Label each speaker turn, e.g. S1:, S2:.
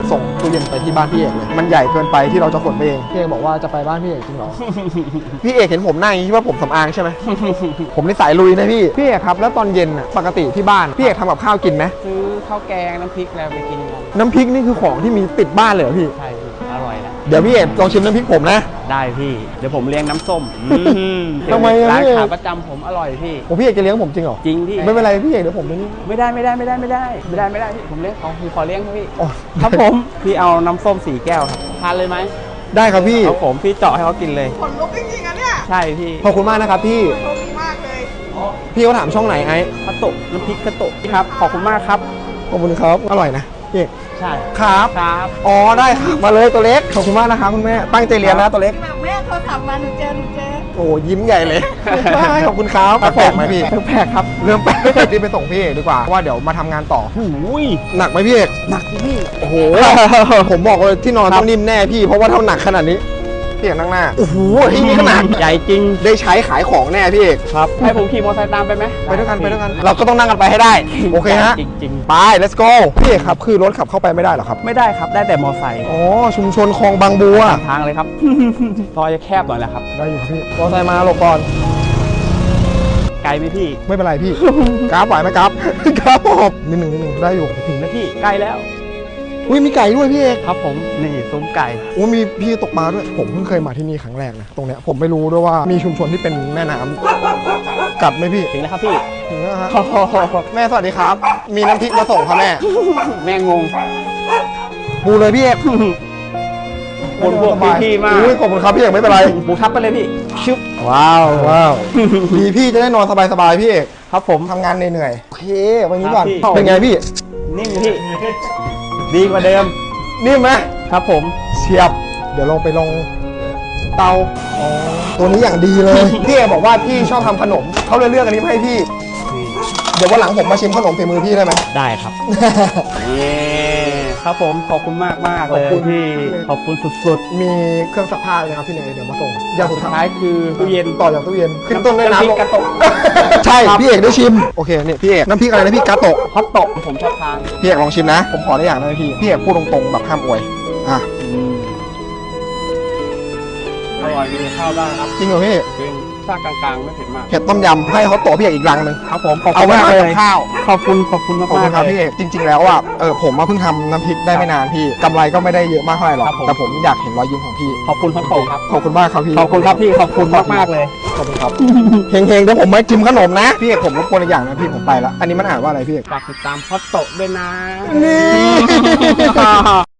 S1: ส่งตู้เย็นไปที่บ้านพี่เอกเลยมันใหญ่เกินไปที่เราจะขนไปเองพี่เอกบอกว่าจะไปบ้านพี่เอกจริงเหรอ พี่เอกเห็นผมหน้าอย่างนี้ว่าผมสำอางใช่ไหม ผมนี่สายลุยนะพี่เอกครับแล้วตอนเย็นน่ะปกติที่บ้านพี่เอกทำกับข้าวกินไหม
S2: ซื้อข้าวแกงน้ำพริกอะไรไปกินกัน
S1: น้ำพริกนี่คือของที่มีติดบ้านเลยเหรอพี่
S2: ใช่พี่อร่อยนะ
S1: เดี๋ยวพี่เอกลองชิมน้ำพริกผมนะ
S2: ได้พี่เดี๋ยวผมเลี้ยงน้ำส้ม
S1: ทำไมอะ
S2: ร้าน
S1: พี่
S2: ขาประจำผมอร่อยพี่
S1: ผมพี่เอกจะเลี้ยงผมจริงเหรอ
S2: จริงพี่
S1: ไม่เป็นไรพี่เอกเดี๋ยวผมไปนี่
S2: ไม่ได้พี่ผมเลี้ยงเขาพี่ขอเลี้ยงพี่
S1: อ๋อ
S2: ครับผมพี่เอาน้ำส้ม4 แก้วครับทานเลยไหม
S1: ได้ครับพี่
S2: ครับผมพี่เจาะให้เขากินเลย
S3: ขนลุกจริงๆอะเนี่ย
S2: ใช่พี่
S1: ขอบคุณมากนะครับพี่
S3: โชคดีมากเลย
S1: พี่เขาถามช่องไหนไอ้
S2: กระโตะน้ำพริกกระโตะครับขอบคุณมากครับ
S1: ขอบคุณครับอร่อยนะพี่เอก
S2: ใช่
S1: ครับ
S2: ครับ
S1: อ๋อได้ครับมาเลยตัวเล็กขอบคุณมากนะครับคุณแม่ตั้งใจเรียนนะตัวเล็ก
S3: แบบแม่โทรศัพท์มาหนูเจอ
S1: โอ้ยิ้มใหญ่เลย ขอบคุณครับแปลกไหมพี่แปลกครับเริ่มแปลกรีบไปส่งพี่เอกดีกว่าเพราะว่าเดี๋ยวมาทำงานต่อ
S2: หูย
S1: หนักไหมพี่เอก
S2: หนักพี่
S1: โอ้โห ผมบอกเลยที่นอนต้องนิ่มแน่พี่เพราะว่าเท่าหนักขนาดนี้พี่เอกนั่งหน้าโอ้โหที่นี่ขนาด
S2: ใหญ่จริง
S1: ได้ใช้ขายของแน่พี่เอก
S2: ครับให้ผมขี่มอเตอร์ไซค์ตามไปไหม
S1: ไปด้วยกันเราก็ต้องนั่งกันไปให้ได้โอเคฮะ
S2: จริง
S1: ไป let's go พี่เอกครับคือรถขับเข้าไปไม่ได้เหรอครับ
S2: ๆ ไม่ได้ครับได้แต่มอเตอร์ไซค์
S1: อ๋อชุมชนคลองบางบัว
S2: ตามทางเลยครับ ซอยจะแคบหน่อยแหละครับ
S1: ได้อยู่ครับพี่มอไซค์มาหลบก่อน
S2: ไกลไหมพี่
S1: ไม่เป็นไรพี่ กราฟไหวไหมกราฟ กราฟผมนิดหนึ่งได้อยู่
S2: ถึงแล้วพี่ใกล้แล้ว
S1: อุ้ยมีไก่ด้วยพี่เอก
S2: ครับผมนี่ซุ้มไก่
S1: โอ้มีพี่ตกปลาด้วยผมเพิ่งเคยมาที่นี่ครั้งแรกนะตรงเนี้ยผมไม่รู้ด้วยว่ามีชุมชนที่เป็นแม่น้ำกัดไหมพี่
S2: ถึงแล้วครับพี่
S1: ถึงแล้วฮะแม่สวัสดีครับ มีน้ำพริกมาส่งครับแม่
S2: แม่งง
S1: ปูเลยพี่เอก
S2: คนพวกพี่ๆมาก
S1: อุ้ยขอบคุณครับพี่เอกไม่เป็นไร
S2: หมูทับไปเลยพี่ชึบ
S1: ว้าวดีพี่จะได้นอนสบายๆพี่เอก
S2: ครับผม
S1: ทำงานเหนื่อยๆโอเควันนี้ก่อน
S2: ครับพี่
S1: เป็นไงพี่
S2: นิ่มพี่ ดีกว่าเดิม
S1: นิ่มไหม
S2: ครับผม
S1: เฉียบ เดี๋ยวลงไปลงเตาตัวนี้อย่างดีเลย พี่เอกบอกว่าพี่ชอบทำขนมเขาเลยเลือกอันนี้มาให้พี่ เดี๋ยววันหลังผมมาชิมขนมฝีมือพี่ได้ไหม
S2: ได้ครับนี่ครับผมขอบคุณมากเลย
S1: ขอบคุณ
S2: พี่ขอบคุณสุด
S1: มีเครื่องซักผ้าเลยครับพี่เนยเดี๋ยวมาส่งอย่าง
S2: ๆ
S1: สุ
S2: สุ
S1: ด
S2: ด
S1: ท้า
S2: ท้าย ยคือตู้เย็น
S1: ต่อจากตู้เย็นขึ้นต้นด้วย
S2: น้ำพริก
S1: น้ำ
S2: กระโตะ
S1: ใช่พี่เอกได้ชิมโอเคเนี่ยพี่เอกน้ำพริกอะไรนะพี่กาโตะ
S2: ฮอตโตะผมชอบทาน
S1: พี่เอกลองชิมนะ ผมขอได้อย่างนะพี่เอกพูดตรงๆแบบห้ามอวยอ่ะ
S2: อร่อยมีข้าวได้ครับ
S1: จริงเหรอพี่
S2: จริงชาติกลางๆไม่เผ็ดมาก
S1: เผ็ดต้มยำให้เขาโตะพี่เอกอีกรังหนึ่ง
S2: ครับผมขอบ
S1: เอา
S2: คุณ
S1: ไว้
S2: มาก
S1: ให้
S2: เล
S1: กับ
S2: ย
S1: ข้าว
S2: ขอบคุณมาก
S1: ขอบคุณ
S2: ๆ
S1: ครับ
S2: เลย
S1: พี่เอกจริงๆแล้วอ่ะผมมาเพิ่งทำน้ำพริกได้ไม่นานพี่กำไรก็ไม่ได้เยอะมากเท่าไหร่หรอก
S2: ครับผม
S1: แต่ผมอยากเห็นรอยยิ้มของพี่
S2: ขอบคุณฮอตโตะครับ
S1: ขอบคุณมากครับพี่
S2: ขอบคุณครับพี่ขอบคุณมากๆเลย
S1: ขอบคุณครับ เฮงๆเดี๋ยวผมไม่จิ้มขนมนะพี่เอกผมรบกวนอีกอย่างนะพี่ผมไปละอันนี้มันอ่านว่าอะไรพี่เอก
S2: ฝากติดตามฮอตโตะด้วยนะ
S1: นี่